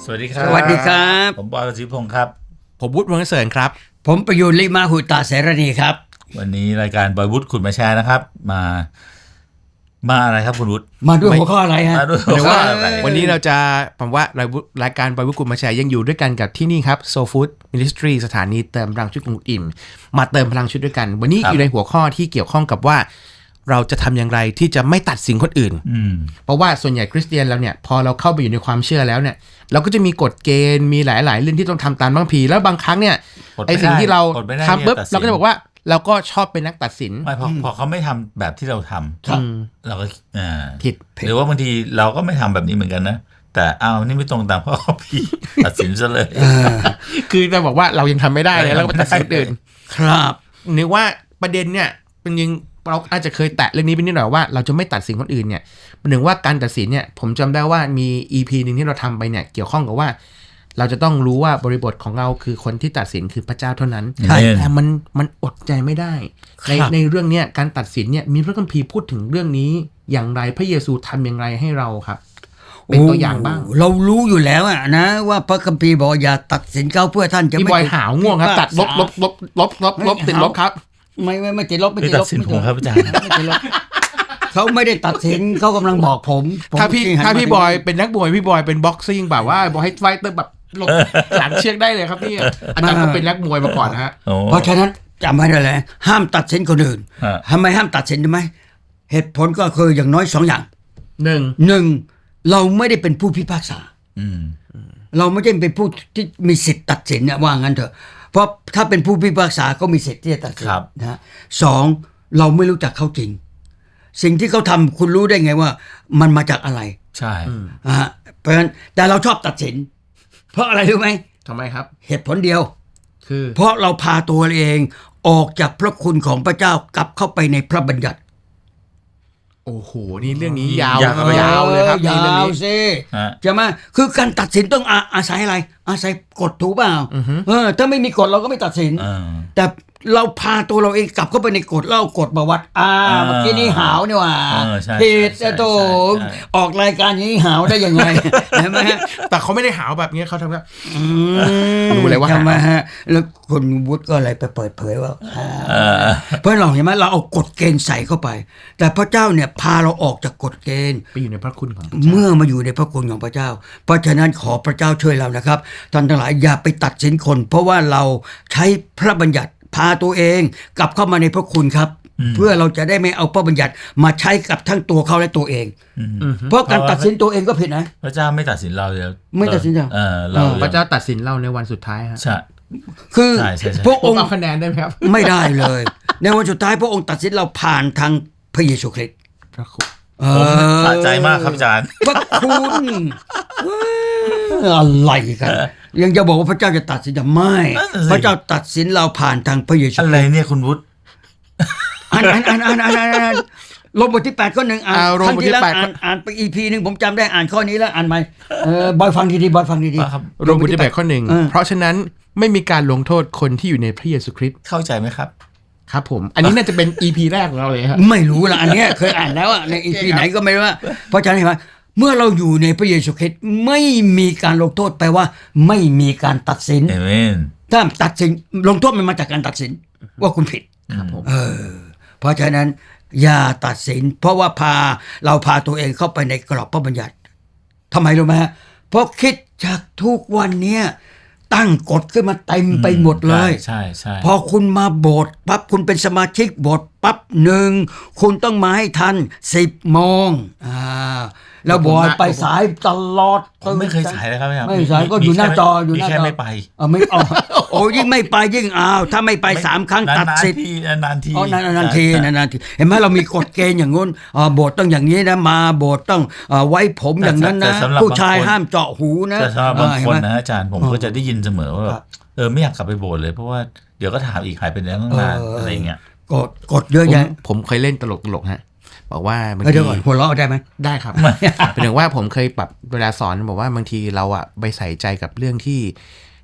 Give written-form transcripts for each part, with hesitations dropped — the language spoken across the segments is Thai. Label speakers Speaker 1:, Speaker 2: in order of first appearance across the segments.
Speaker 1: สวัสดีครับ
Speaker 2: สวัสดีครับ
Speaker 1: ผมบอยประสิทธิพงศ์ครับ
Speaker 3: ผมวุฒิวงศ์เสริญครับ
Speaker 2: ผมประยูนลิมาหุตาเสรณีครับ
Speaker 1: วันนี้รายการบอยวุฒิขุดมาแชร์นะครับ มาอะไรครับคุณวุฒิ
Speaker 2: มาด้วยหัวข้ออะไรฮะ
Speaker 1: มาด้วย
Speaker 3: หรือว่า
Speaker 1: อะไร
Speaker 3: วันนี้เราจะผมว่ารายการบอยวุฒิกุลมาแชร์ยังอยู่ด้วยกันกับที่นี่ครับ Soul Food Ministry สถานีเติมพลังชีวิตของคุณอิ่มมาเติมพลังชีวิตด้วยกัน วันนี้อยู่ในหัวข้อที่เกี่ยวข้องกับว่า เราจะทำอย่างไรที่จะไม่ตัดสินคนอื่น เพราะว่าส่วนใหญ่คริสเตียนเราเนี่ยพอเราเข้าไปอยู่ในความเชื่อแล้วเนี่ยเราก็จะมีกฎเกณฑ์มีหลาย ๆ เรื่องที่ต้องทำตามบางทีแล้วบางครั้งเนี่ยไอ้สิ่งที่เราทำปุ๊บเราก็จะบอกว่าเราก็ชอบเป็นนักตัดสิน
Speaker 1: ไม่พอเขาไม่ทำแบบที่เราทำ
Speaker 2: ครับ
Speaker 1: เราก็
Speaker 3: ผิด
Speaker 1: หรือว่าบางทีเราก็ไม่ทำแบบนี้เหมือนกันนะแต่นี่ไม่ตรงตามข้อพี่ ตัดสินซะเลย
Speaker 3: คือจะบอกว่าเรายังทำไม่ได้เลยแล้วก็ไปตัดสินคนอื่น
Speaker 2: ครับ
Speaker 3: นึกว่าประเด็นเนี่ยเป็นยังเราอาจจะเคยแตะเรื่องนี้ไปนิดหน่อยว่าเราจะไม่ตัดสินคนอื่นเนี่ยหนึ่งว่าการตัดสินเนี่ยผมจำได้ว่ามี EP หนึ่งที่เราทำไปเนี่ยเกี่ยวข้องกับว่า เราจะต้องรู้ว่าบริบทของเราคือคนที่ตัดสินคือพระเจ้าเท่านั้น
Speaker 1: ใช่
Speaker 3: แต่มันอดใจไม่ได้
Speaker 2: ครับ
Speaker 3: ในเรื่องเนี้ยการตัดสินเนี่ยมีพระคัมภีร์พูดถึงเรื่องนี้อย่างไรพระเยซูทำอย่างไรให้เราครับ เป็นตัวอย่างบ้าง
Speaker 2: เรารู้อยู่แล้วอะนะว่าพระคัมภีร์บอกอย่าตัดสินเขาเพื่อท่านจะ
Speaker 3: พี่
Speaker 2: ไม่
Speaker 3: บอยหาวง่วงครับตัดลบติดลบครับ
Speaker 2: ไม่ติดลบไม่
Speaker 1: ไม่
Speaker 2: ติด
Speaker 1: ตั
Speaker 2: ล
Speaker 1: ด
Speaker 2: บ
Speaker 1: สินผมครับอาจารย์
Speaker 2: ไม่ติดลบเขาไม่ได้ตัดสินเขากำลังบอกผม
Speaker 3: ถ้าพี่
Speaker 2: หัน
Speaker 3: ถ้า
Speaker 2: มา
Speaker 3: พี่บอยเป็นนักมวยพี่บอยเป็นบ็อกซิ่งแบบว่าบอกให้ไฟเตอร์แบบหลบหลังเชือกได้เลยครับพี่อาจารย์ก็เป็นนักมวยมาก่อนนะฮะ
Speaker 1: โอ้
Speaker 2: เพราะฉะนั้นจำไว้ได้เลยห้ามตัดสินคนอื่น
Speaker 1: ฮะ
Speaker 2: ทำไมห้ามตัดสินรู้ไหมเหตุผลก็คืออย่างน้อยสองอย่าง
Speaker 3: หนึ่ง
Speaker 2: หนึ่งเราไม่ได้เป็นผู้พิพากษา
Speaker 1: อืม
Speaker 2: เราไม่ได้เป็นผู้ที่มีสิทธิ์ตัดสินนะว่างั้นเถอะเพราะถ้าเป็นผู้พิพากษาก็มีสิทธิ์ที่จะตัดสิน
Speaker 1: ครับ
Speaker 2: นะฮะสองเราไม่รู้จักเขาจริง สิ่งที่เขาทำคุณรู้ได้ไงว่า มันมาจากอะไร
Speaker 1: ใช่
Speaker 2: นะฮะเพราะฉะนั้นแต่เราชอบตัดสิน เพราะอะไรรู้ไหม
Speaker 3: ทำไมครับ
Speaker 2: เหตุผลเดียว
Speaker 3: คือ
Speaker 2: เพราะเราพาตัวเองออกจากพระคุณของพระเจ้ากลับเข้าไปในพระบัญญัติ
Speaker 3: โอ้โหนี่เรื่องนี้ยาว
Speaker 1: ยาวครับ
Speaker 3: ยาวเลยครับนี่
Speaker 2: ยา
Speaker 3: เรื่อง
Speaker 2: ว
Speaker 3: นี้
Speaker 2: สิ
Speaker 1: ฮะ
Speaker 2: ใช่ไหมคือการตัดสินต้องอาศัยอะไร อาศัยกฎถูกเปล่าถ้าไม่มีกฎเราก็ไม่ตัดสิน
Speaker 1: อ่า
Speaker 2: แต่เราพาตัวเราเองกลับเข้าไปในกฎแล้วเอากฎมาวัดเมื่อกี้นี้หาวนี่หว่า
Speaker 1: ใช่
Speaker 2: ผิด
Speaker 1: ใช่
Speaker 2: โต
Speaker 1: ใช่
Speaker 2: ออกรายการอย่างนี้หาวได้ยังไง ใช่ไหมฮะ
Speaker 3: แต่เขาไม่ได้หาวแบบนี้เขาทำแบบ รู้เลยว่า
Speaker 2: ใช่ไหมฮะแล้วคุณวุฒิก็อะไรไปเปิดเผยว่า
Speaker 1: เออ
Speaker 2: เพราะเราเห็นไหมเราเอากฎเกณฑ์ใส่เข้าไป แต่พระเจ้าเนี่ยพาเราออกจากกฎเกณฑ์
Speaker 3: ไปอยู่ในพระคุณของ
Speaker 2: เมื่อมาอยู่ในพระคุณของพระเจ้า เพราะฉะนั้นขอพระเจ้าช่วยเรานะครับท่านทั้งหลายอย่าไปตัดสินคน เพราะว่าเราใช้พระบัญญัติพาตัวเองกลับเข้ามาในพระคุณครับ เพื่อเราจะได้ไม่เอาพระบัญญัติมาใช้กับทั้งตัวเขาและตัวเอง เพราะการตัดสินตัวเองก็ผิดนะ
Speaker 1: พระเจ้าไม่ตัดสินเราเลย
Speaker 2: ไม่ตัดสินเรา
Speaker 1: เรา
Speaker 3: พระเจ้าตัดสินเราในวันสุดท้ายฮะ
Speaker 1: ใช่
Speaker 2: คือ
Speaker 1: ใช่
Speaker 2: พระ
Speaker 3: ผ
Speaker 2: อ
Speaker 3: ม
Speaker 2: งค์
Speaker 3: เอาคะแนนได้ไหมครับ
Speaker 2: ไม่ได้เลย ในวันสุดท้ายพระองค์ตัดสินเราผ่านทางพระเยซูคริสต์
Speaker 3: พระคุณ
Speaker 1: ผมสะใจมากครับอาจารย์
Speaker 2: พระคุณอะไรกันยังจะบอกว่าพระเจ้าจะตัดสินไม่
Speaker 1: นั่นน่ะสิ
Speaker 2: พระเจ้าตัดสินเราผ่านทางพระเยซู
Speaker 1: อะไรเนี่ยคุณวุฒิ
Speaker 2: อ่านลงบทที่8ข้อหนึ่งอ่าน
Speaker 3: โรม
Speaker 2: ครั้ง
Speaker 3: บท
Speaker 2: ที่
Speaker 3: ที่
Speaker 2: แล้ว
Speaker 3: แปด
Speaker 2: อ่านไป EP หนึ่งผมจำได้อ่านข้อนี้แล้วอ่านใหม่บอยฟังดีๆบอยฟังดี
Speaker 1: ครับ
Speaker 3: โรมบทที่8ข้อหนึ่งเพราะฉะนั้นไม่มีการลงโทษคนที่อยู่ในพระเยซูคริสต์
Speaker 1: เข้าใจไหมครับ
Speaker 3: ครับผม อันนี้น่าจะเป็น EP แรกของเราเลยครับ
Speaker 2: ไม่รู้ละอันเนี้ยเคยอ่านแล้วอะใน EP ไหนก็ไม่รู้ว่าเพราะฉะนั้นเห็นไหมเมื่อเราอยู่ในพระเยซูคริสต์ไม่มีการลงโทษแปลว่าไม่มีการตัดสิน
Speaker 1: เอเมน
Speaker 2: ถ้าตัดสินลงโทษมันมาจากการตัดสินว่าคุณผิด
Speaker 3: ครับผม
Speaker 2: เพราะฉะนั้นอย่าตัดสิน เพราะว่าเราพาตัวเองเข้าไปในกรอบพระบัญญัติทำไมรู้ไหมฮะเพราะคิดจากทุกวันเนี้ยตั้งกฎขึ้นมาเต็มไปหมดเลย
Speaker 1: ใช่ใช่
Speaker 2: พอคุณมาโบสถ์ปั๊บคุณเป็นสมาชิกโบสถ์ปั๊บคุณต้องมาให้ทัน10 โมงแล้วบอยไปสายตลอด
Speaker 1: ผมไม่เคยสายเลยครับ
Speaker 2: ไม่สายก็อยู่หน้าจออยู่หน้าจอ
Speaker 1: มีแค่ไม่ไป
Speaker 2: ไม่โอ้ยิ่งไม่ไปยิ่งถ้าไม่ไป3 ครั้งตัดสิทธิ์
Speaker 1: นานๆที
Speaker 2: นานๆทีเห็นไหมเรามีกฎเกณฑ์อย่างงู้นโบสถ์ต้องอย่างนี้นะมาโบสถ์ต้องไว้ผมอย่างนั้นนะ
Speaker 1: แต่สำหรับ
Speaker 2: ผู้ชาย
Speaker 1: บางคน
Speaker 2: ห้ามเจาะหูนะ
Speaker 1: แต่สำหรับบาง
Speaker 2: เห็
Speaker 1: คน
Speaker 2: ไหม
Speaker 1: นะอาจารย์ผมก็จะได้ยินเสมอว่าแบบไม่อยากกลับไปโบสถ์เลยเพราะว่าเดี๋ยวก็ถามอีกหายไปไหนตั้งนานอะไรเงี้ย
Speaker 2: กฎเยอะแยะ
Speaker 3: ผมเคยเล่นตลกฮะบอกว่าบาง
Speaker 2: เดี๋
Speaker 3: ที
Speaker 2: ยวก่อนหัวเราะได้ไหม
Speaker 3: ได้ครับ เป็นถึงว่าผมเคยปรับเวลาสอนบอกว่าบางทีเราอะไปใส่ใจกับเรื่องที่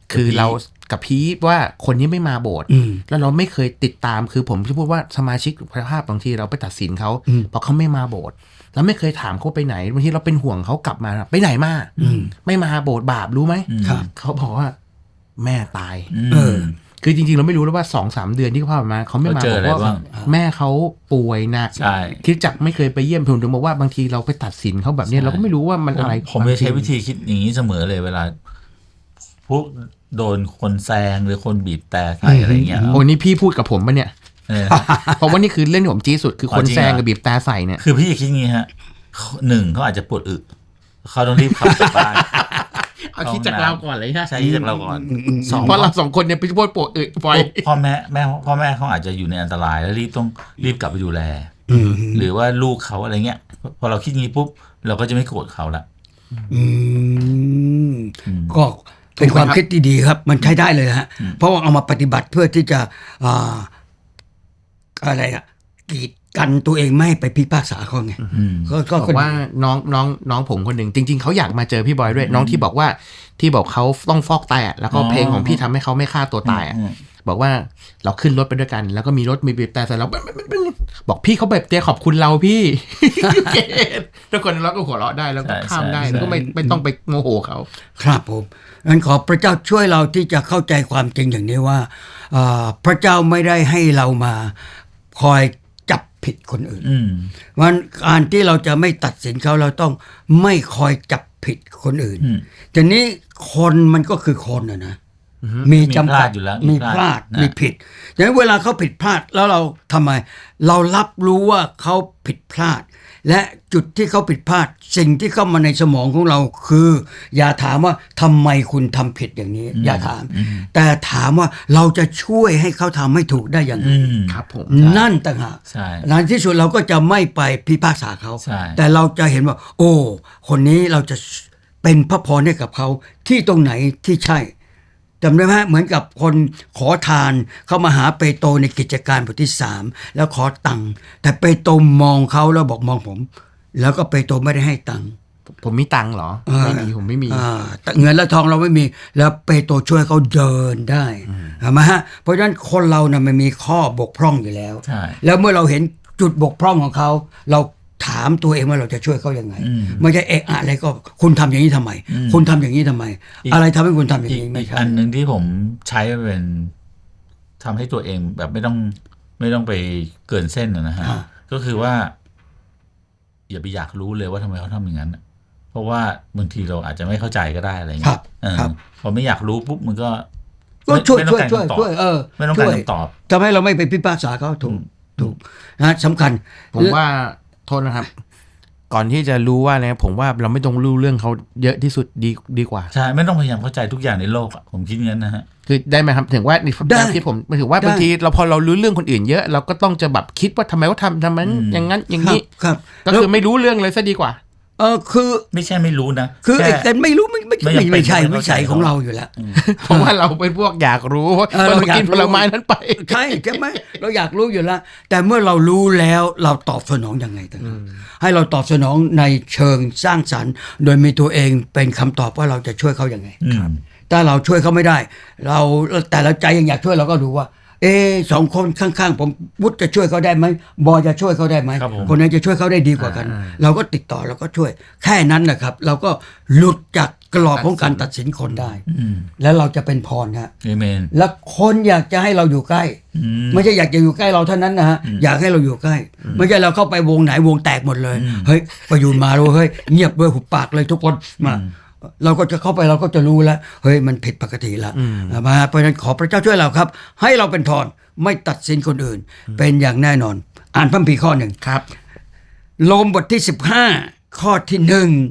Speaker 3: คือเรากับพีทว่าคนนี้ไม่มาโบสถ์
Speaker 2: อืม
Speaker 3: แล้วเราไม่เคยติดตามคือผมจะพูดว่าสมาชิกภาพบางทีเราไปตัดสินเขา
Speaker 2: อืม
Speaker 3: เพราะเขาไม่มาโบสถ์เราไม่เคยถามเขาไปไหนบางทีเราเป็นห่วงเขากลับมาไปไหนมา
Speaker 2: อืม
Speaker 3: ไม่มาโบสถ์บาปรู้ไหม
Speaker 2: ครับ
Speaker 3: เขาบอกว่าแม่ตาย
Speaker 2: เออ
Speaker 3: คือจริงๆเราไม่รู้แล้วว่า 2-3 เดือนที่เขาผ่านมาเขาไม่มา
Speaker 1: เขาเจออะไร
Speaker 3: เพราะว่า
Speaker 1: บ้าง
Speaker 3: แม่เขาป่วยหนัก
Speaker 1: ใช่
Speaker 3: คริสตจักรไม่เคยไปเยี่ยมผมถึงบอกว่าบางทีเราไปตัดสินเขาแบบเนี้ย
Speaker 1: ใช่
Speaker 3: เราก็ไม่รู้ว่ามันอะไร
Speaker 1: ผมจะใช้วิธีคิดอย่างนี้เสมอเลยเวลาพวกโดนคนแซงหรือคนบีบแต่ใส่อะไรเงี้ย
Speaker 3: โอ้นี่พี่พูดกับผมปะเนี่ย
Speaker 1: เออ
Speaker 3: เพราะว่านี่คือเรื่องที่ผมจี้สุดคือคน
Speaker 1: จริงเหรอ
Speaker 3: แซงกับบีบแต่ใส่เนี่ย
Speaker 1: คือพี่คิดงี้ฮะหนึ่งเขาอาจจะปวดอึเขาต้องรีบขับกลับบ้าน
Speaker 3: เอาคิดจากเราก่อนเลยนะ
Speaker 1: ใช่คิดจากเราก่อนสอง
Speaker 3: เพราะเราสองคนเนี่ยไปพูดปวดอึปล่อย
Speaker 1: พ่อแม่เขาอาจจะอยู่ในอันตรายแล้วต้องรีบกลับไปดูแล
Speaker 2: อืม
Speaker 1: หรือว่าลูกเขาอะไรเงี้ยพอเราคิดงี้ปุ๊บเราก็จะไม่โกรธเขาละ
Speaker 2: อืมก็เป็นความคิดที่ดีครับ มันใช้ได้เลยฮะ เพราะว่าเอามาปฏิบัติเพื่อที่จะอ่าอะไรอะกีดกันตัวเองไม่ให้ไปพิพากษาเขาไงก็
Speaker 3: บอกว่าน้องผมคนหนึ่งจริง ๆเขาอยากมาเจอพี่บอยด้วย น้องที่บอกว่าที่บอกเขาต้องฟอกไตอ่ะแล้วก็เพลงของพี่ทำให้เขาไม่ฆ่าตัวตายอ่ะบอกว่าเราขึ้นรถไปด้วยกัน แล้วก็มีรถมีบีบแต่ใส่เราบอกพี่เขาแบบเตี้ยขอบคุณเราพี่ ทุกคนเราก็หัวเราะได้แล้วก็ข้ามได้แล้วก็ไม่ต้องไปโมโหเขา
Speaker 2: ครับผมงั้นขอพระเจ้าช่วยเราที่จะเข้าใจความจริงอย่างนี้ว่าพระเจ้าไม่ได้ให้เรามาคอยจับผิดคนอื่น วันการที่เราจะไม่ตัดสินเขาเราต้องไม่คอยจับผิดคนอื่นทีนี้คนมันก็คือคนนะมีจำกัด
Speaker 1: มีพลาดอยู่แล้ว
Speaker 2: มีพลาด
Speaker 1: นะ
Speaker 2: มีผิดดังนั้นเวลาเขาผิดพลาดแล้วเราทำไม เรารับรู้ว่าเขาผิดพลาด และจุดที่เขาผิดพลาด สิ่งที่เข้ามาในสมองของเราคือ อย่าถามว่าทำไมคุณทำผิดอย่างนี้ อย่าถาม แต่ถามว่าเราจะช่วยให้เขาทำให้ถูกได้อย่างไร
Speaker 3: ครับผม
Speaker 2: นั่นต่างหาก
Speaker 1: ใช่
Speaker 2: ในที่สุดเราก็จะไม่ไปพิพากษาเขา
Speaker 1: ใช่
Speaker 2: แต่เราจะเห็นว่า โอ้ คนนี้เราจะเป็นพระพรให้กับเขาที่ตรงไหนที่ใช่จำได้ไหมเหมือนกับคนขอทานเข้ามาหาเปโตรในกิจการบทที่3แล้วขอตังค์แต่เปโตรมองเขาแล้วบอกมองผม แล้วก็เปโตรไม่ได้ให้ตังค์
Speaker 3: ผมมีตังค์เหรอไม่มีผมไม่มี
Speaker 2: แต่เงินและทองเราไม่มีแล้วเปโตรช่วยเขาเดินได้เห็นไหมฮะเพราะฉะนั้นคนเรานะมันมีข้อบกพร่องอยู่แล้ว
Speaker 1: ใช่
Speaker 2: แล้วเมื่อเราเห็นจุดบกพร่องของเขาเราถามตัวเองว่าเราจะช่วยเขายังไงไม่ใช่เอะอะไรก็คุณทำอย่างนี้ทำไม คุณทำอย่างนี้ทำไม อะไรทำให้คุณทำอย่าง
Speaker 1: อีก
Speaker 2: นี้ไม่
Speaker 1: อีก
Speaker 2: ใช่
Speaker 1: อันหนึ่งที่ผมใช้เป็นทำให้ตัวเองแบบไม่ต้องไปเกินเส้นนะฮะก็คือว่า อย่าไปอยากรู้เลยว่าทำไมเขาทำอย่างนั้นน่ะเพราะว่าบางทีเราอาจจะไม่เข้าใจก็ได้อะไรเงี้ยพอไม่อยากรู้ปุ๊บมันก็
Speaker 2: ช่วย
Speaker 1: ไม่ต้
Speaker 2: ช่
Speaker 1: อ
Speaker 2: วย
Speaker 1: งการ
Speaker 2: ช่วย
Speaker 1: คำตอบ
Speaker 2: ช่วย
Speaker 1: ไม่ต้องการคำตอบ
Speaker 2: ทำให้เราไม่ไปพิพากษาเขาถูกนะสำคัญ
Speaker 3: ผมว่าโทษนะครับ ก่อนที่จะรู้ว่าอะไรผมว่าเราไม่ต้องรู้เรื่องเขาเยอะที่สุดดีกว่า
Speaker 1: ใช่ไม่ต้องพยายามเข้าใจทุกอย่างในโลกอะผมคิดงั้นนะฮะ
Speaker 3: คือได้ไหมครับถึงว่าใน
Speaker 2: ได้
Speaker 3: ที่ผมถือว่า
Speaker 2: ได้
Speaker 3: บางทีเราพอเรารู้เรื่องคนอื่นเยอะเราก็ต้องจะแบบคิดว่าทำไมเขาทำมันอย่างนั้นอย่างนี้
Speaker 2: ครับ
Speaker 3: ก็คือไม่รู้เรื่องเลยซะดีกว่า
Speaker 2: คือ
Speaker 1: ไม่ใช่ไม่รู้นะ
Speaker 2: คือ
Speaker 1: แค่
Speaker 2: แต่ไม่รู้ไม่
Speaker 1: ไม่จำเป็น
Speaker 2: ไม่ใช่
Speaker 1: ไม่
Speaker 2: วิ
Speaker 1: เข้าใจ
Speaker 2: สัยของเราอยู่แล้ว
Speaker 3: เพราะว่าเราเป็นพวกอยากรู้ว่า
Speaker 2: เรา
Speaker 3: เรา
Speaker 2: อยาก
Speaker 3: กินผลไม้นั้นไป
Speaker 2: ใช่ไหมเราอยากรู้อยู่แล้ว แต่เมื่อเรารู้แล้วเราตอบสนองยังไงต่างหากให้เราตอบสนองในเชิงสร้างสรรค์ โดยมีตัวเองเป็นคำตอบว่าเราจะช่วยเขายังไง ถ้าเราช่วยเขาไม่ได้ แต่เราใจยังอยากช่วยเราก็ดูว่า สองคนข้างๆผมวุฒิจะช่วยเขาได้ไหมบอยจะช่วยเขาได้ไหม
Speaker 1: ครับผม
Speaker 2: คนนั้นจะช่วยเขาได้ดีกว่ากัน เราก็ติดต่อเราก็ช่วย แค่นั้นนะครับ เราก็หลุดจากกรอบของการตัดสินคนได้ แล้วเราจะเป็นพรฮะ
Speaker 1: เอเมน
Speaker 2: แล้วคนอยากจะให้เราอยู่ใกล้ ไม่ใช่อยากจะอยู่ใกล้เราเท่านั้นนะฮะอยากให้เราอยู่ใกล้ ไม่ใช่เราเข้าไปวงไหนวงแตกหมดเลยเฮ้ยประยูนมาเลยเฮ้ยเงียบเลยหุบปากเลยทุกคนมาเราก็จะเข้าไปเราก็จะรู้แล้วเฮ้ยมันผิดปกติแล้วมาเพราะฉะนั้นขอพระเจ้าช่วยเราครับ ให้เราเป็นพรไม่ตัดสินคนอื่น เป็นอย่างแน่นอน อ่านพระคัมภีร์ข้อหนึ่ง
Speaker 3: ครับ
Speaker 2: โรมบทที่15ข้อที่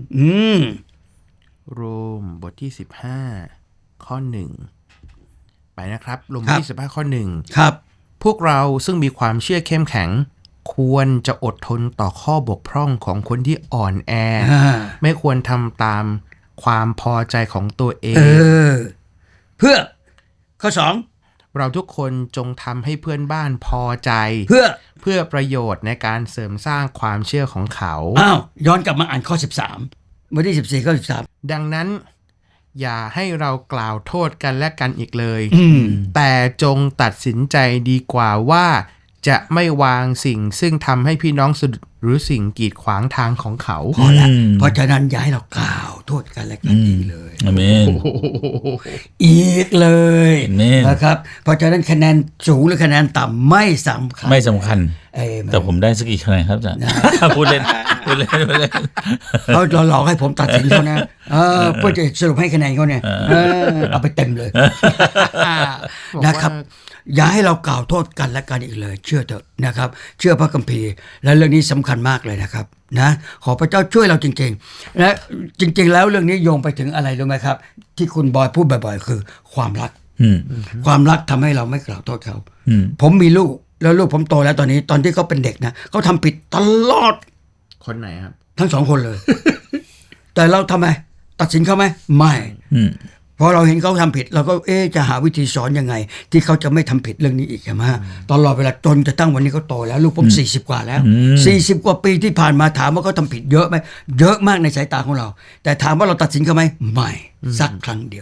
Speaker 2: 1
Speaker 3: โรมบทที่15ข้อ1ไปนะครับโรมบทที่15ข้อ1
Speaker 2: ครับ
Speaker 3: พวกเราซึ่งมีความเชื่อเข้มแข็ง ควรจะอดทนต่อข้อบกพร่องของคนที่อ่อนแอ ไม่ควรทำตามความพอใจของตัวเอง
Speaker 2: เพื่อข้อ2
Speaker 3: เราทุกคนจงทำให้เพื่อนบ้านพอใจ
Speaker 2: เพื่อ
Speaker 3: ประโยชน์ในการเสริมสร้างความเชื่อของเขา
Speaker 2: อ้าวย้อนกลับมาอ่านข้อ13บทที่14ข้อ13
Speaker 3: ดังนั้นอย่าให้เรากล่าวโทษกันและกันอีกเลย
Speaker 2: อืม
Speaker 3: แต่จงตัดสินใจดีกว่าว่าจะไม่วางสิ่งซึ่งทำให้พี่น้องสะดุดหรือสิ่งกีดขวางทางของเขา
Speaker 2: พอละเพราะฉะนั้นอย่าให้เรากล่าวโทษกันและกันอีกเลย
Speaker 1: อาเมน
Speaker 2: อีกเลย
Speaker 1: อาเมน
Speaker 2: นะครับ เพราะฉะนั้นคะแนนสูงหรือคะแนนต่ำไม่สำคัญ
Speaker 1: ไม่สำคัญ
Speaker 2: เอ้ย
Speaker 1: แต่ผมได้สักกี่คะแนนครับอาจารย์ พูดเล่นพูดเล่นพูดเล่น
Speaker 2: เขาหลอกให้ผมตัดสินเขานะเพื่อจะสรุปให้คะแนนเขาเนี่ยเอาไปเต็มเลยนะครับ อย่าให้เรากล่าวโทษกันและกันอีกเลย เชื่อเถอะนะครับ เชื่อพระคัมภีร์และเรื่องนี้สำคัญมากเลยนะครับนะขอพระเจ้าช่วยเราจริงๆและจริงๆแล้วเรื่องนี้โยงไปถึงอะไรรู้ไหมครับ ที่คุณบอยพูดบ่อยๆ คือความรัก ความรักทำให้เราไม่กล่าวโทษเขาผมมีลูกแล้วลูกผมโตแล้วตอนนี้ตอนที่เขาเป็นเด็กนะเขาทำผิดตลอด
Speaker 3: คนไหนครับ
Speaker 2: ทั้งสองคนเลย แต่เราทำไมตัดสินเขาไหมไม่พอเราเห็นเขาทำผิดเราก็จะหาวิธีสอนยังไง ที่เขาจะไม่ทำผิดเรื่องนี้อีกใช่ไหมตลอดเวลาจนจะตั้งวันนี้เขาโตแล้วลูกผม40 กว่าแล้ว40 กว่าปีที่ผ่านมาถามว่าเขาทำผิดเยอะไหมเยอะมากในสายตาของเรา แต่ถามว่าเราตัดสินเขาไหมไม่สักครั้งเดียว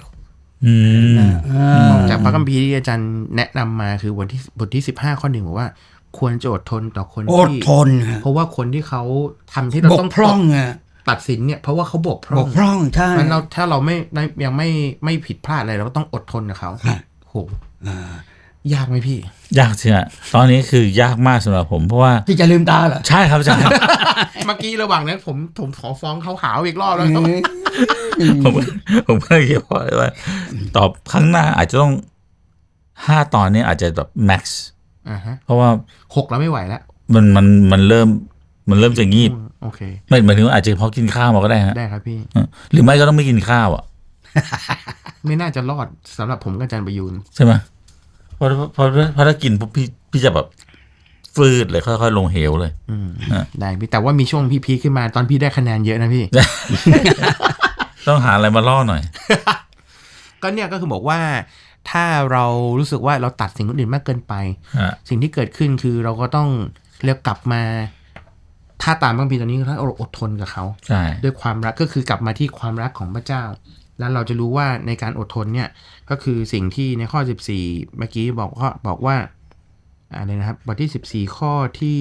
Speaker 3: จากพระคัมภีร์ที่อาจารย์แนะนำมาคือบทที่15 ข้อ 1บอกว่าควรจะอดทนต่อคน
Speaker 2: อด
Speaker 3: ที่
Speaker 2: ทนฮะ
Speaker 3: เพราะว่าคนที่เขาทำที่เรา
Speaker 2: บก
Speaker 3: ต้อง
Speaker 2: พร่องอะ
Speaker 3: ตัดสินเนี่ยเพราะว่าเขาบกพร่
Speaker 2: บ
Speaker 3: อง
Speaker 2: กพร่องใช่
Speaker 3: มันเราถ้าเรายังไม่ผิดพลาดอะไรเราก็ต้องอดทนกับเขา
Speaker 2: ครับ
Speaker 3: โหยากไหมพี่
Speaker 1: ยากจริงอะตอนนี้คือยากมากสำหรับผมเพราะว่า
Speaker 2: ที่จะลืมตาเหรอ
Speaker 1: ใช่ครับอาจารย์
Speaker 3: เมื่อกี้ระหว่างนั้นผมขอฟ้องเขาหาวอีกรอบแล้ว
Speaker 1: ผมก็คิดว่าตอบครั้งหน้าอาจจะต้อง5 ตอนนี้อาจจะแบบ max เพราะว่า
Speaker 3: 6แล้วไม่ไหวแล้ว
Speaker 1: มันเริ่มจะงีบ
Speaker 3: โอเค
Speaker 1: ไม่หมายถึงว่าอาจจะเพราะกินข้าวมาก็ได้ฮะ
Speaker 3: ได้ครับพี่
Speaker 1: หรือไม่ก็ต้องไม่กินข้าวอ่ะ
Speaker 3: ไม่น่าจะรอดสำหรับผมกับอาจารย์ประยูน
Speaker 1: ใช่ไหมเพราะถ้ากินปุ๊บพี่จะแบบฟืดเลยค่อยๆลงเหวเลย
Speaker 3: ได้พี่แต่ว่ามีช่วงพี่พีคขึ้นมาตอนพี่ได้คะแนนเยอะนะพี่
Speaker 1: ต้องหาอะไรมาล่อหน่อย
Speaker 3: ก็เนี่ยก็คือบอกว่าถ้าเรารู้สึกว่าเราตัดสิ่งอื่นมากเกินไป สิ่งที่เกิดขึ้นคือเราก็ต้องเรียกกลับมาถ้าตามบางปีตอนนี้ถ้าเราอดทนกับเขา
Speaker 1: ใช่
Speaker 3: ด้วยความรักก็คือกลับมาที่ความรักของพระเจ้า แล้วเราจะรู้ว่าในการอดทนเนี่ยก็คือสิ่งที่ในข้อ14เมื่อกี้บอกว่าอะไรนะครับบทที่14ข้อที่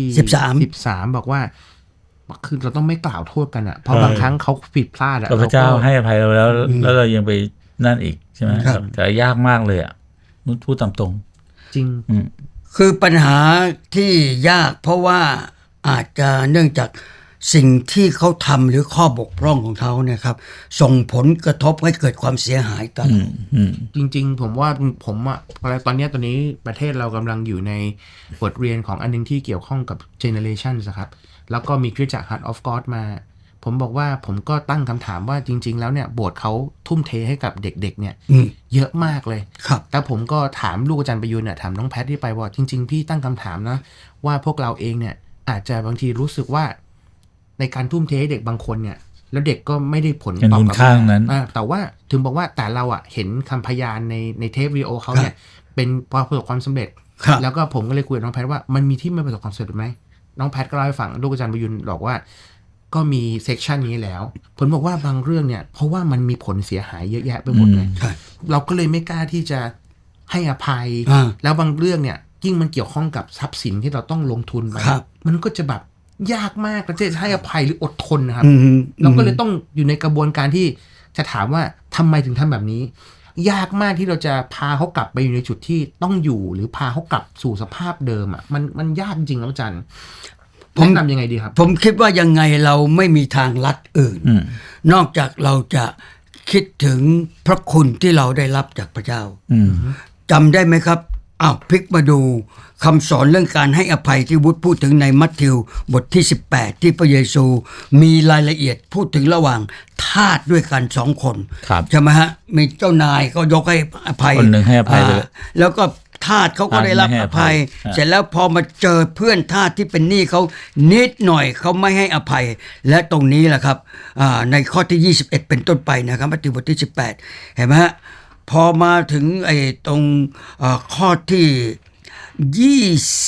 Speaker 3: 13บอกว่าคือเราต้องไม่กล่าวโทษกันอ่ะเพราะบางครั้งเขาผิดพลาดอ่ะ
Speaker 1: พระเจ้าให้อภัยเราแล้วเรายังไปนั่นอีกใช่ไหมแต่ยากมากเลยอ่ะพูดตามตรง
Speaker 3: จริง
Speaker 2: คือปัญหาที่ยากเพราะว่าอาจจะเนื่องจากสิ่งที่เขาทำหรือข้อบกพร่องของเขาเนี่ยครับส่งผลกระทบให้เกิดความเสียหายต่อ
Speaker 3: จริงๆผมว่าผมอ่ะตอนนี้ประเทศเรากำลังอยู่ในบทเรียนของอันนึงที่เกี่ยวข้องกับ generation นะครับแล้วก็มีคริสตจักร Heart of God มาผมบอกว่าผมก็ตั้งคำถามว่าจริงๆแล้วเนี่ยโบสถ์เขาทุ่มเทให้กับเด็กๆเนี่ยเยอะมากเลย
Speaker 2: ครับ
Speaker 3: แต่ผมก็ถามลูกอาจารย์ประยูนเนี่ยถามน้องแพทที่ไปว่าจริงๆพี่ตั้งคำถามนะว่าพวกเราเองเนี่ยอาจจะบางทีรู้สึกว่าในการทุ่มเทให้เด็กบางคนเนี่ยแล้วเด็กก็ไม่ได้ผลตอบกลับมาแต่ว่าถึงบอกว่าแต่เราอ่ะเห็นคำพยานในเทปวิดีโอเขาเนี่ยเป็นประสบความสำเร็จแล้วก็ผมก็เลยคุยกับน้องแพทว่ามันมีที่ไม่ประสบความสำเร็จไหมน้องแพทก็เล่าให้ฟังลูกอาจารย์ประยุนบอกว่าก็มีเซกชันนี้แล้วผมบอกว่าบางเรื่องเนี่ยเพราะว่ามันมีผลเสียหายเยอะแยะไปหมดเลยเราก็เลยไม่กล้าที่จะให้อภัยแล้วบางเรื่องเนี่ยยิ่งมันเกี่ยวข้องกับทรัพย์สินที่เราต้องลงทุนไปมันก็จะแบบยากมากจะให้อภัยหรืออดทนนะครับเราก็เลยต้องอยู่ในกระบวนการที่จะถามว่าทำไมถึงทำแบบนี้ยากมากที่เราจะพาเขากลับไปอยู่ในจุดที่ต้องอยู่หรือพาเขากลับสู่สภาพเดิมอ่ะมันยากจริงๆแล้วอาจารย์แนะนำยังไงดีครับ
Speaker 2: ผมคิดว่ายังไงเราไม่มีทางลัดอื่นนอกจากเราจะคิดถึงพระคุณที่เราได้รับจากพระเจ้าจำได้ไหมครับพลิกมาดูคำสอนเรื่องการให้อภัยที่วุฒิพูดถึงในมัทธิวบทที่18ที่พระเยซูมีรายละเอียดพูดถึงระหว่างทาสด้วยกัน2 คนใช่ไหมฮะมีเจ้านายก็ยกให้อภัย
Speaker 1: คนหนึ่งให้อภัยเลย
Speaker 2: แล้วก็ทาสเขาก็ได้รับอภัยเสร็จแล้วพอมาเจอเพื่อนทาสที่เป็นหนี้เขานิดหน่อยเขาไม่ให้อภัยและตรงนี้แหละครับในข้อที่21เป็นต้นไปนะครับมัทธิวบทที่18เห็นไหมฮะพอมาถึงตรงข้อที่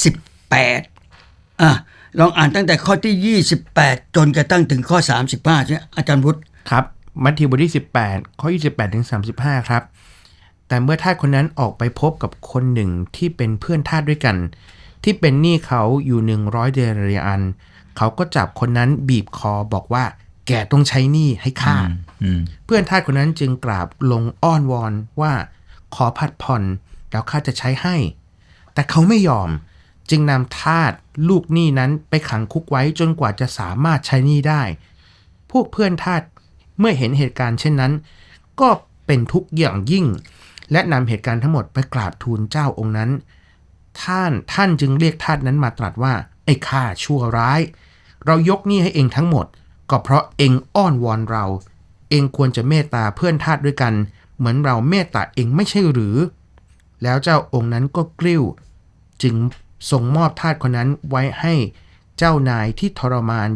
Speaker 2: 28ลองอ่านตั้งแต่ข้อที่28จนกระทั่งถึงข้อ35ใช่ไหมอาจารย์วุฒิ
Speaker 3: ครับมัทธิวบทที่18ข้อ28ถึง35ครับแต่เมื่อทาสคนนั้นออกไปพบกับคนหนึ่งที่เป็นเพื่อนทาสด้วยกันที่เป็นหนี้เขาอยู่100เดนาริอันเขาก็จับคนนั้นบีบคอบอกว่าแกต้องใช้หนี้ให้ข้าเพื่อนทาสคนนั้นจึงกราบลงอ้อนวอนว่าขอผัดผ่อนแล้วข้าจะใช้ให้แต่เขาไม่ยอมจึงนำทาสลูกหนี้นั้นไปขังคุกไว้จนกว่าจะสามารถใช้หนี้ได้พวกเพื่อนทาสเมื่อเห็นเหตุการณ์เช่นนั้นก็เป็นทุกข์อย่างยิ่งและนำเหตุการณ์ทั้งหมดไปกราบทูลเจ้าองค์นั้นท่านจึงเรียกทาสนั้นมาตรัสว่าไอ้ข้าชั่วร้ายเรายกหนี้ให้เองทั้งหมดก็เพราะเองอ้อนวอนเราเองควรจะเมตตาเพื่อนทาสด้วยกันเหมือนเราเมตตาเองไม่ใช่หรือแล้วเจ้าองค์นั้นก็กริ้วจึงส่งมอบทาสคนนั้นไว้ให้เจ้านายที่ทรมาน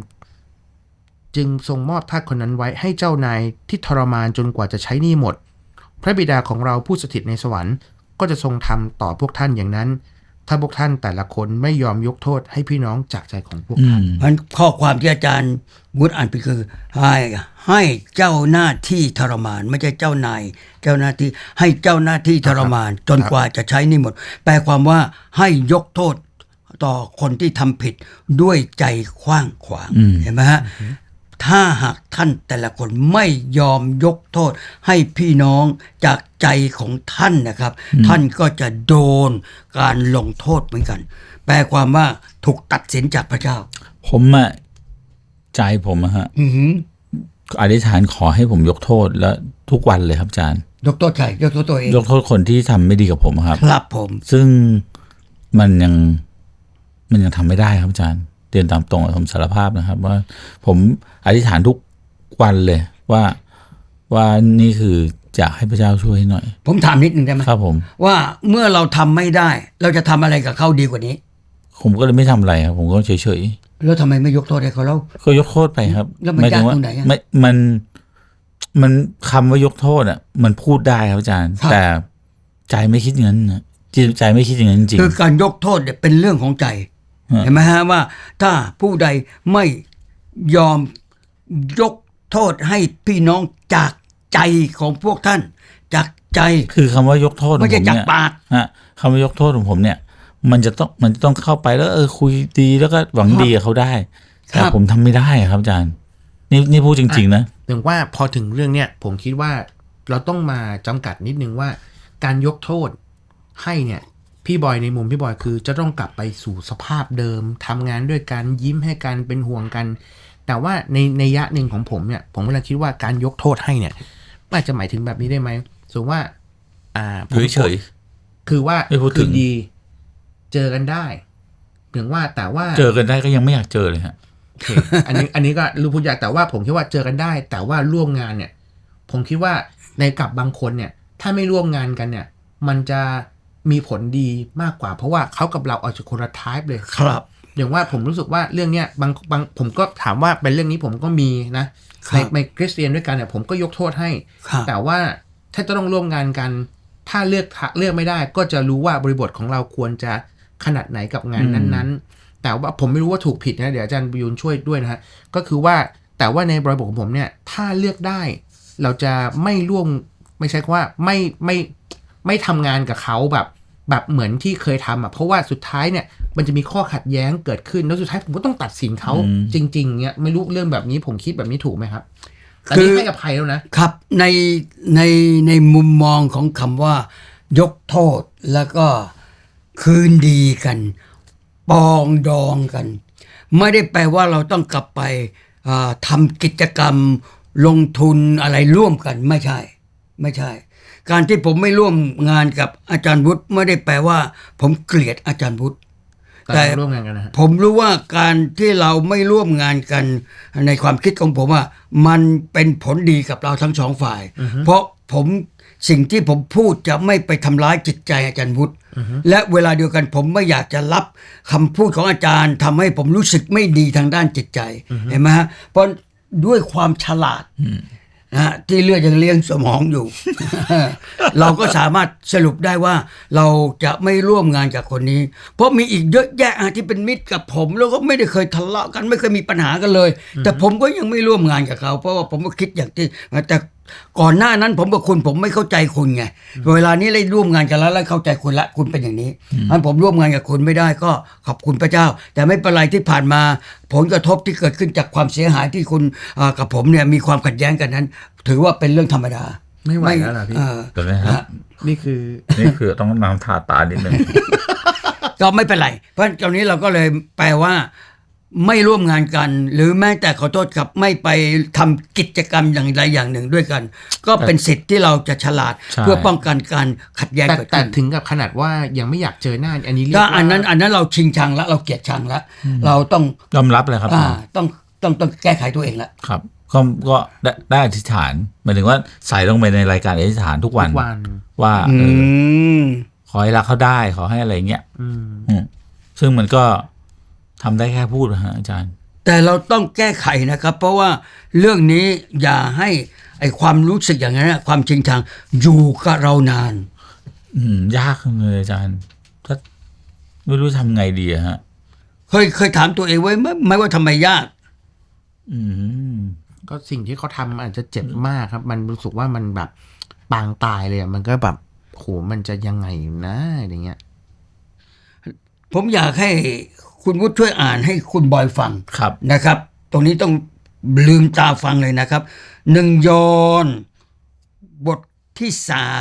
Speaker 3: จนกว่าจะใช้หนี้หมดพระบิดาของเราผู้สถิตในสวรรค์ก็จะทรงทำต่อพวกท่านอย่างนั้นถ้าพวกท่านแต่ละคนไม่ยอมยกโทษให้พี่น้องจากใจของพวกท่าน
Speaker 2: มันข้อความที่อาจารย์วุฒิอ่านไปคือให้เจ้าหน้าที่ทรมานไม่ใช่เจ้านายเจ้าหน้าที่ให้เจ้าหน้าที่ทรมานจนกว่าจะใช้หนี้หมดแปลความว่าให้ยกโทษต่อคนที่ทำผิดด้วยใจกว้างขวางเห็นไหมฮะถ้าหากท่านแต่ละคนไม่ยอมยกโทษให้พี่น้องจากใจของท่านนะครับท่านก็จะโดนการลงโทษเหมือนกันแปลความว่าถูกตัดสินจากพระเจ้า
Speaker 1: ผมใจผมฮะอธิษฐานขอให้ผมยกโทษแล้วทุกวันเลยครับอาจารย์
Speaker 2: ยกโทษใครยกโทษตัวเอง
Speaker 1: ยกโทษคนที่ทำไม่ดีกับผมครับ
Speaker 2: ครับผม
Speaker 1: ซึ่งมันยังทำไม่ได้ครับอาจารย์เรียนตามตรงผมสารภาพนะครับว่าผมอธิษฐานทุกวันเลยว่านี่คืออยากให้พระเจ้าช่วยให้หน่อย
Speaker 2: ผมถามนิดนึงได้ไหม
Speaker 1: ครับผม
Speaker 2: ว่าเมื่อเราทำไม่ได้เราจะทำอะไรกับเขาดีกว่านี้
Speaker 1: ผมก็เลยไม่ทำอะไรครับผมก็เฉย
Speaker 2: ๆแล้วทำไมไม่ยกโทษให้เขาแล้ว
Speaker 1: ก็ยกโทษไปครับ
Speaker 2: แล้วมันยากตรงไหน
Speaker 1: มันคำว่ายกโทษมันพูดได้ครับอาจารย์แต่ใจไม่คิดอย่างนั้นนะใจไม่คิดอย่างนั้นจริง
Speaker 2: คือการยกโทษเนี่ยเป็นเรื่องของใจเห็นไหมฮะว่าถ้าผู้ใดไม่ยอมยกโทษให้พี่น้องจากใจของพวกท่านจากใจ
Speaker 1: คือคำว่ายกโทษ
Speaker 2: ไม่ใช่จากปาก
Speaker 1: คำว่ายกโทษของผมเนี่ยมันจะต้องเข้าไปแล้วคุยดีแล้วก็หวังดีกับเขาได้แต่ผมทำไม่ได้ครับอาจารย์นี่พูดจริงๆนะ
Speaker 3: ถึงว่าพอถึงเรื่องเนี้ยผมคิดว่าเราต้องมาจำกัดนิดนึงว่าการยกโทษให้เนี่ยพี่บอยในมุมพี่บอยคือจะต้องกลับไปสู่สภาพเดิมทำงานด้วยกันยิ้มให้กันเป็นห่วงกันแต่ว่าในยะหนึ่งของผมเนี่ยผมก็เลยคิดว่าการยกโทษให้เนี่ยอาจจะหมายถึงแบบนี้ได้ไหมสมมติว่า
Speaker 1: เฉย
Speaker 3: คือว่าคือดีเจอกันได้ถึงว่าแต่ว่า
Speaker 1: เจอกันได้ก็ยังไม่อยากเจอเลยฮะ
Speaker 3: อันนี้ก็รู้พูดอยากแต่ว่าผมคิดว่าเจอกันได้แต่ว่าร่วมงานเนี่ยผมคิดว่าในกับบางคนเนี่ยถ้าไม่ร่วมงานกันเนี่ยมันจะมีผลดีมากกว่าเพราะว่าเขากับเราอาจจะคนละไทป์เลย
Speaker 2: ครับ
Speaker 3: อย่างว่าผมรู้สึกว่าเรื่องเนี้ยบางผมก็ถามว่าเป็นเรื่องนี้ผมก็มีนะในคริสเตียนด้วยกันเนี่ยผมก็ยกโทษให้แต่ว่าถ้าจะต้องร่วมงานกันถ้าเลือกไม่ได้ก็จะรู้ว่าบริบทของเราควรจะขนาดไหนกับงานนั้นๆแต่ว่าผมไม่รู้ว่าถูกผิดนะเดี๋ยวอาจารย์ประยุนช่วยด้วยนะฮะก็คือว่าแต่ว่าในบริบทของผมเนี่ยถ้าเลือกได้เราจะไม่ร่วมไม่ใช่ว่าไม่ทำงานกับเขาแบบเหมือนที่เคยทำเพราะว่าสุดท้ายเนี่ยมันจะมีข้อขัดแย้งเกิดขึ้นแล้วสุดท้ายผมก็ต้องตัดสินเขาจริงๆเนี่ยไม่รู้เรื่องแบบนี้ผมคิดแบบนี้ถูกไหมครับแต่นี่ให้อภัยแล้ว
Speaker 2: นะครับในมุมมองของคำว่ายกโทษแล้วก็คืนดีกันปองดองกันไม่ได้แปลว่าเราต้องกลับไปทำกิจกรรมลงทุนอะไรร่วมกันไม่ใช่การที่ผมไม่ร่วมงานกับอาจารย์วุฒิไม่ได้แปลว่าผมเกลียดอาจารย์วุฒิ
Speaker 3: แต่ร่วมงานกันนะ
Speaker 2: ผมรู้ว่าการที่เราไม่ร่วมงานกันในความคิดของผมว่ามันเป็นผลดีกับเราทั้งสองฝ่ายเพราะสิ่งที่ผมพูดจะไม่ไปทำร้ายจิตใจอาจารย์วุฒิและเวลาเดียวกันผมไม่อยากจะรับคำพูดของอาจารย์ทำให้ผมรู้สึกไม่ดีทางด้านจิตใจเห็นไหมฮะเพราะด้วยความฉลาดนะฮะที่เลือดยังเลี้ยงสมองอยู่ เราก็สามารถสรุปได้ว่าเราจะไม่ร่วมงานกับคนนี้ เพราะมีอีกเยอะแยะที่เป็นมิตรกับผมแล้วก็ไม่ได้เคยทะเลาะกันไม่เคยมีปัญหากันเลย แต่ผมก็ยังไม่ร่วมงานกับเขาเพราะว่าผมก็คิดอย่างที่แต่ก่อนหน้านั้นผมกับคุณผมไม่เข้าใจคุณไงเวลานี้ได้ร่วมงานกันแล้วเข้าใจคุณละคุณเป็นอย่างนี้งั้นผมร่วมงานกับคุณไม่ได้ก็ขอบคุณพระเจ้า แต่ไม่เป็นไรที่ผ่านมาผลกระทบที่เกิดขึ้นจากความเสียหายที่คุณกับผมเนี่ยมีความขัดแย้งกันนั้น ถือว่าเป็นเรื่องธรรมดา
Speaker 3: ไม่ไหวแล้วล่ะพี่
Speaker 1: เดี๋ยวนะครับ
Speaker 3: นี่คือ
Speaker 1: นี่คือต้องน้ำทาตานิดนึง
Speaker 2: ก็ไม่เป็นไรเพราะตอนนี้เราก็เลยแปลว่าไม่ร่วมงานกัน หรือแม้แต่ขอโทษครับไม่ไปทำกิจกรรมอย่างใดอย่างหนึ่งด้วยกัน ก็เป็นสิทธิ์ที่เราจะฉลาด
Speaker 1: ใช่
Speaker 2: เพื่อป้องกันการขัดแย้ง
Speaker 3: แต่
Speaker 2: เกิด
Speaker 3: แต่
Speaker 2: ขึ้น
Speaker 3: ถึงกับขนาดว่ายังไม่อยากเจอหน้าอันนี้เรียก
Speaker 2: ถ้า
Speaker 3: ว่า
Speaker 2: อันนั้นเราชิงชังแล้วเราเกลียดชังแล้วเราต้อง
Speaker 1: ยอมรับเลยครับ
Speaker 2: ต้องแก้ไขตัวเองแล้ว
Speaker 1: ครับ ก็ได้อธิษฐานหมายถึงว่าใส่ลงไปในรายการอธิษฐานทุกวัน
Speaker 3: ทุกวัน
Speaker 1: ว่า
Speaker 2: ม
Speaker 1: ขอให้รักเขาได้ขอให้อะไรเงี้ย
Speaker 3: อืม
Speaker 1: ซึ่งมันก็ทำได้แค่พูดนะฮะอาจารย์
Speaker 2: แต่เราต้องแก้ไขนะครับ เพราะว่าเรื่องนี้อย่าให้ไอความรู้สึกอย่างนั้นนะความจริงชังอยู่กับเรานาน
Speaker 1: ยากเลยอาจารย์ถ้าไม่รู้ทำไงดีอะฮะ
Speaker 2: เคยถามตัวเองไว้ไหมว่าทำไมยาก
Speaker 1: อืม
Speaker 3: ก็สิ่งที่เขาทำอาจจะเจ็บมากครับ มันรู้สึกว่ามันแบบปางตายเลยอะมันก็แบบโหมันจะยังไงนะอย่างเงี้ย
Speaker 2: ผมอยากให้คุณวุฒิช่วยอ่านให้คุณบอยฟัง
Speaker 1: ครับ
Speaker 2: นะครับ ตรงนี้ต้องลืมตาฟังเลยนะครับ1 ยอห์นบทที่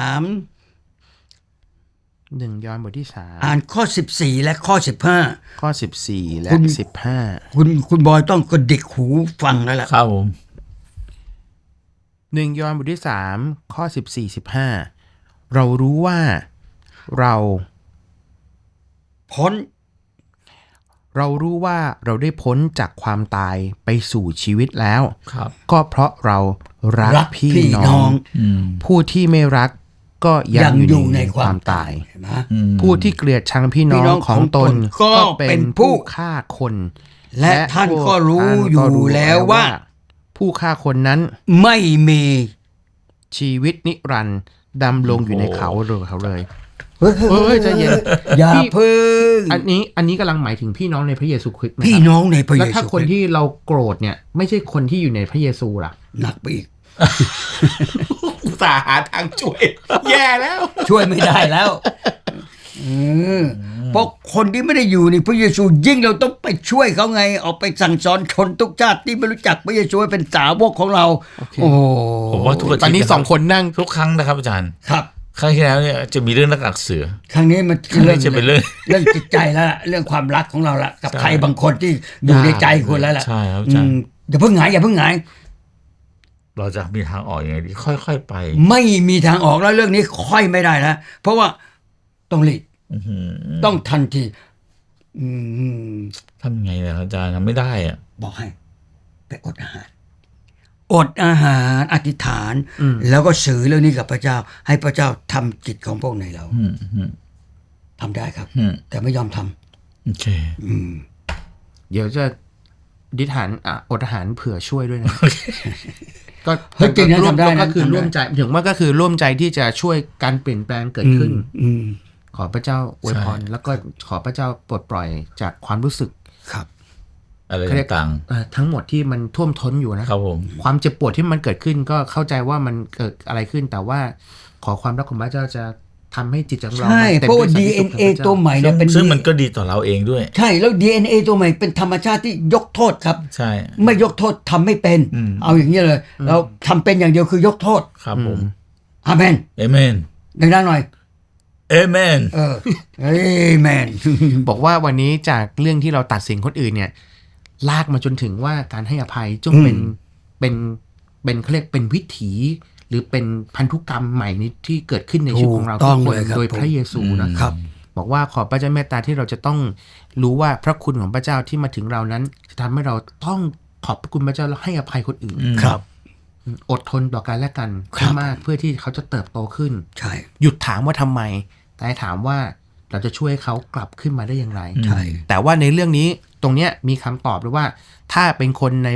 Speaker 2: 3
Speaker 3: 1 ยอห์นบทที่
Speaker 2: อ่านข้อ14และข้อ15
Speaker 3: ข้อ 14 และ
Speaker 2: คุณ
Speaker 3: 15
Speaker 2: คุณบอยต้องกระดิกหูฟังแล้วล่ะ
Speaker 1: ครับผม
Speaker 3: 1 ยอห์นบทที่ 3 ข้อ 14-15 เรารู้ว่าเรา
Speaker 2: พ้น
Speaker 3: เราได้พ้นจากความตายไปสู่ชีวิตแล้ว
Speaker 1: ครับ
Speaker 3: ก็เพราะเรารักพี่น้อง
Speaker 1: อืม
Speaker 3: ผู้ที่ไม่รักก็ยังอยู่ในความตาย
Speaker 2: เห็นไหม
Speaker 3: ผู้ที่เกลียดชังพี่น้องของตนก็เป็นผู้ฆ่าคน
Speaker 2: และท่านก็รู้อยู่แล้วว่า
Speaker 3: ผู้ฆ่าคนนั้น
Speaker 2: ไม่มี
Speaker 3: ชีวิตนิรันดร์ดำลงอยู่ในเขาเลย
Speaker 2: เฮ้ย
Speaker 3: ใจเย็น
Speaker 2: อย่า
Speaker 3: พี่
Speaker 2: เพิ่ง
Speaker 3: อันนี้กำลังหมายถึงพี่น้องในพระเยซูคริสต์นะ
Speaker 2: พี่
Speaker 3: ครับ
Speaker 2: น้องในพระเย
Speaker 3: แล้ว
Speaker 2: ซู
Speaker 3: ถ้าคนที่เราโกรธเนี่ย ไม่ใช่คนที่อยู่ในพระเยซูล่ะ
Speaker 2: หนักไปอีก
Speaker 3: อุตส่าห์หาทางช่วย แย่แล้ว
Speaker 2: ช่วยไม่ได้แล้วเพราะคนที่ไม่ได้อยู่ในพระเยซูยิ่งเราต้องไปช่วยเขาไงออกไปสั่งสอนชนทุกชาติที่ไม่รู้จักพระเยซูให้เป็นสาวกของเรา โอ้โห
Speaker 1: ผมว่าทุกอาทิตย์
Speaker 3: ตอนนี้สองคนนั่ง
Speaker 1: ทุกครั้งนะครับอาจารย์
Speaker 2: ครับ
Speaker 1: ครั้งที่แล้วเนี่ยจะมีเรื่องนักอักเสือ
Speaker 2: ครั้งนี้มัน
Speaker 1: ครั้งนี้จะเป็นเรื่อง
Speaker 2: เรื่องจิตใจแล้วล่ะเรื่องความรักของเราละกับใครบางคนที่อยู่ในใจคุณแล้วล่ะ
Speaker 1: ใช่ครับอาจารย์
Speaker 2: อย่าเพิ่งหงายอย่าเพิ่งหงาย
Speaker 1: เราจะมีทางออกยังไงดีค่อยๆไป
Speaker 2: ไม่มีทางออกแล้วเรื่องนี้ค่อยไม่ได้แล้วเพราะว่าต้องรีบ
Speaker 1: อื้อหือ
Speaker 2: ต้องทันที
Speaker 1: ทำไงเนี่ยอาจารย์ทำไม่ได้อะ
Speaker 2: บอกให้ไปอดอาหาร อธิษฐาน แล้วก็สื่อเรื่องนี้กับพระเจ้า ให้พระเจ้าทำจิตของพวกในเราทำได้ครับ แต่ไม่ยอมทำ
Speaker 1: โอเค
Speaker 3: เดี๋ยวจะดิฐานอดอาหารเผื่อช่วยด้วยนะ ก็
Speaker 2: เฮ้ยจริงนะทำได้นะ
Speaker 3: ก็คือ
Speaker 2: ทำได้
Speaker 3: ร่วมใจถึงว่าก็คือร่วมใจที่จะช่วยการเปลี่ยนแปลงเกิดขึ้น ขอพระเจ้าอวยพร
Speaker 1: ใช่
Speaker 3: แล้วก็ขอพระเจ้าปลดปล่อยจากความรู้สึก
Speaker 2: ครับ
Speaker 1: อะไร
Speaker 3: เขาเรียก
Speaker 1: ต่าง
Speaker 3: ทั้งหมดที่มันท่วมท้นอยู่นะ
Speaker 1: ๆครับผม
Speaker 3: ความเจ็บปวดที่มันเกิดขึ้นก็เข้าใจว่ามันเกิดอะไรขึ้น แต่ว่าขอความรักของพระเจ้าจะทำให้จิตของเรา
Speaker 2: ใช่
Speaker 3: มันต็ม
Speaker 2: เพราะว่า
Speaker 3: ด้วยสันติสุข
Speaker 2: DNA ตัวใหม่เนี่ยเป็น
Speaker 1: ซึ่งมันก็ดีต่อเราเองด้วย
Speaker 2: ใช่แล้ว DNA ตัวใหม่เป็นธรรมชาติที่ยกโทษครับ
Speaker 1: ใช่
Speaker 2: ไม่ยกโทษทำไม่เป็น เอาอย่างนี้เลย เราทำเป็นอย่างเดียวคือยกโทษ
Speaker 1: ครับผม
Speaker 2: อาเมน
Speaker 1: เอเมน
Speaker 2: ดังๆหน่อย
Speaker 1: เอเมน
Speaker 2: เอเมน
Speaker 3: บอกว่าวันนี้จากเรื่องที่เราตัดสินคนอื่นเนี่ยลากมาจนถึงว่าการให้อภัยจงเป็นเขาเรียกเป็นวิถี หรือเป็นพันธุกรรมใหม่นี้ที่เกิดขึ้นในชีวิตของเรา
Speaker 2: ถูกต้
Speaker 3: ทุ
Speaker 2: อก ง
Speaker 3: คน
Speaker 2: เลยครับ
Speaker 3: โดยพระเยซูนะครับ บอกว่าขอพระเจ้าเมตตาที่เราจะต้องรู้ว่าพระคุณของพระเจ้าที่มาถึงเรานั้น จะทำให้เราต้องขอบพระคุณพระเจ้าแล้วให้อภัยคนอื่น
Speaker 2: ครับ
Speaker 3: อดทนต่อกันและกัน
Speaker 2: ครับ
Speaker 3: ให้มากเพื่อที่เขาจะเติบโตขึ้น
Speaker 2: ใช่
Speaker 3: หยุดถามว่าทำไม แต่ให้ถามว่าเราจะช่วยเขากลับขึ้นมาได้อย่างไร
Speaker 2: ใช่
Speaker 3: แต่ว่าในเรื่องนี้ตรงเนี้ยมีคำตอบด้วยว่า ถ้าเป็นคน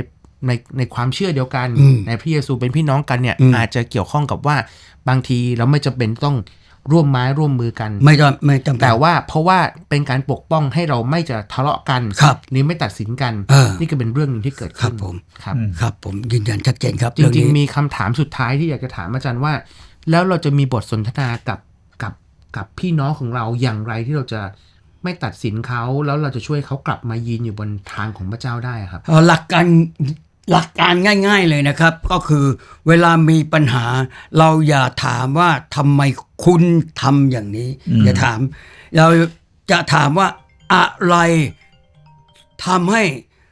Speaker 3: ในความเชื่อเดียวกัน
Speaker 2: อืม
Speaker 3: ในพระเยซูเป็นพี่น้องกันเนี่ย
Speaker 2: อืม
Speaker 3: อาจจะเกี่ยวข้องกับว่าบางทีเราไม่จำเป็นต้องร่วมไม้ร่วมมือกัน
Speaker 2: ไม่จำเป็น
Speaker 3: แต่ว่าเพราะว่าเป็นการปกป้องให้เราไม่จะทะเลาะกัน
Speaker 2: ครับ
Speaker 3: นี่ไม่ตัดสินกัน นี่ก็เป็นเรื่องหนึงที่เกิด
Speaker 2: ครั
Speaker 3: ขึ้
Speaker 2: บ
Speaker 3: น
Speaker 2: ผม
Speaker 3: ครับ
Speaker 2: ครับผมยืนยันชัดเจนครับ
Speaker 3: จ
Speaker 2: เรื่อง
Speaker 3: ริง
Speaker 2: นี้
Speaker 3: ๆ มีคำถามสุดท้ายที่อยากจะถามอาจารย์ว่า แล้วเราจะมีบทสนทนากับพี่น้องของเราอย่างไรที่เราจะไม่ตัดสินเขาแล้วเราจะช่วยเขากลับมายืนอยู่บนทางของพระเจ้าได้ครับ
Speaker 2: หลักการง่าย ๆเลยนะครับ ก็คือเวลามีปัญหา เราอย่าถามว่าทำไมคุณทำอย่างนี้ อย่าถาม เราจะถามว่าอะไรทำให้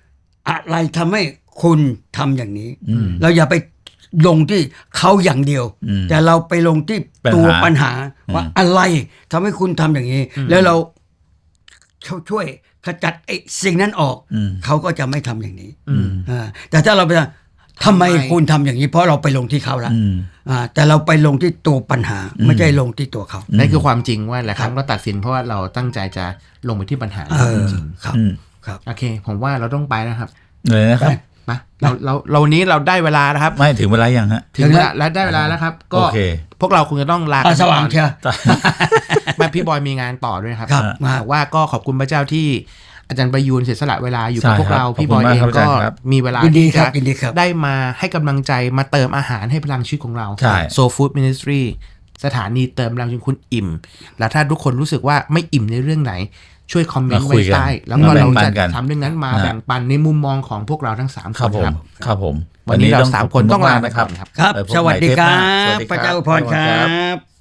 Speaker 2: คุณทำอย่างนี้ เราอย่าไปลงที่เขาอย่างเดียว แต่เราไปลงที่ตัวปัญหาว่าอะไรทำให้คุณทำอย่างนี้ แล้วเราช่วยขจัดไอ้สิ่งนั้นออก เขาก็จะไม่ทำอย่างนี้แต่ถ้าเราไปทำไมคุณทำอย่างนี้ เพราะเราไปลงที่เขาแล้วแต่เราไปลงที่ตัวปัญหา ไม่ใช่ลงที่ตัวเขา
Speaker 3: นั่นคือความจริงว่าหลายครั้งเราตัดสินเพราะว่าเราตั้งใจจะลงไปที่ปัญหาจริง
Speaker 2: ครับ ครับ
Speaker 3: โอเค ผมว่าเราต้องไปนะครับ
Speaker 1: เลยนะครับ
Speaker 3: มาเราวันนี้เราได้เวลานะครับ
Speaker 1: ไม่ถึงเวลายังฮะ
Speaker 3: ถึงเวลาและได้เวลาแล้วครับ ก็
Speaker 1: โอเค
Speaker 3: พวกเราคงจะต้องลา
Speaker 2: สว่างเชียว
Speaker 3: แม่พี่บอยมีงานต่อด้วยครับ
Speaker 2: ครับ
Speaker 3: แต่ว่าก็ขอบคุณพระเจ้าที่อาจารย์ประยูนเสียสละเวลาอยู่กับ
Speaker 1: ใช่
Speaker 3: พวกเรา
Speaker 1: ครับ
Speaker 3: พี่บอย
Speaker 1: ขอบคุณ
Speaker 3: เอง
Speaker 1: มากครับ
Speaker 3: ก็
Speaker 1: อาจารย์ครับ
Speaker 3: มีเวลา
Speaker 2: ยินดี
Speaker 3: ที่
Speaker 2: ครั
Speaker 3: จะ
Speaker 2: บยินดีครับ
Speaker 3: ได้มาให้กำลังใจมาเติมอาหารให้พลังชีวิตของเรา
Speaker 1: ใช่
Speaker 3: โซฟู้ดมินิสทรีสถานีเติมพลังจนคุณอิ่ม และถ้าทุกคนรู้สึกว่าไม่อิ่มในเรื่องไหน ช่วยคอมเมนต์
Speaker 1: มาคุ
Speaker 3: ไว้
Speaker 1: ยกัน
Speaker 3: ใต้แล้วก็
Speaker 1: มาแบ่
Speaker 3: เรา
Speaker 1: งปัน
Speaker 3: จะ
Speaker 1: กัน
Speaker 3: ทำเรื่องนั้นมา
Speaker 1: นะ
Speaker 3: แบ่งปันในมุมมองของพวกเราทั้ง3 ค
Speaker 1: ครับ
Speaker 3: น
Speaker 1: ผม
Speaker 3: ครับ
Speaker 1: ครับผม
Speaker 3: วันนี้เรา
Speaker 1: ขบ
Speaker 3: 3 ค
Speaker 1: คุ
Speaker 3: น
Speaker 1: ณ
Speaker 3: ต้องลาม
Speaker 1: ากๆ
Speaker 3: ไป
Speaker 1: นะค
Speaker 3: ก่
Speaker 1: รั
Speaker 3: อบ นครับ
Speaker 2: ครับ
Speaker 1: ไปพบ
Speaker 2: สวัสดี
Speaker 1: ใหม่
Speaker 2: ครั
Speaker 1: เทปหน้าสวั
Speaker 2: บ
Speaker 1: สดีครับ
Speaker 2: พระเจ้าอวยพรครับ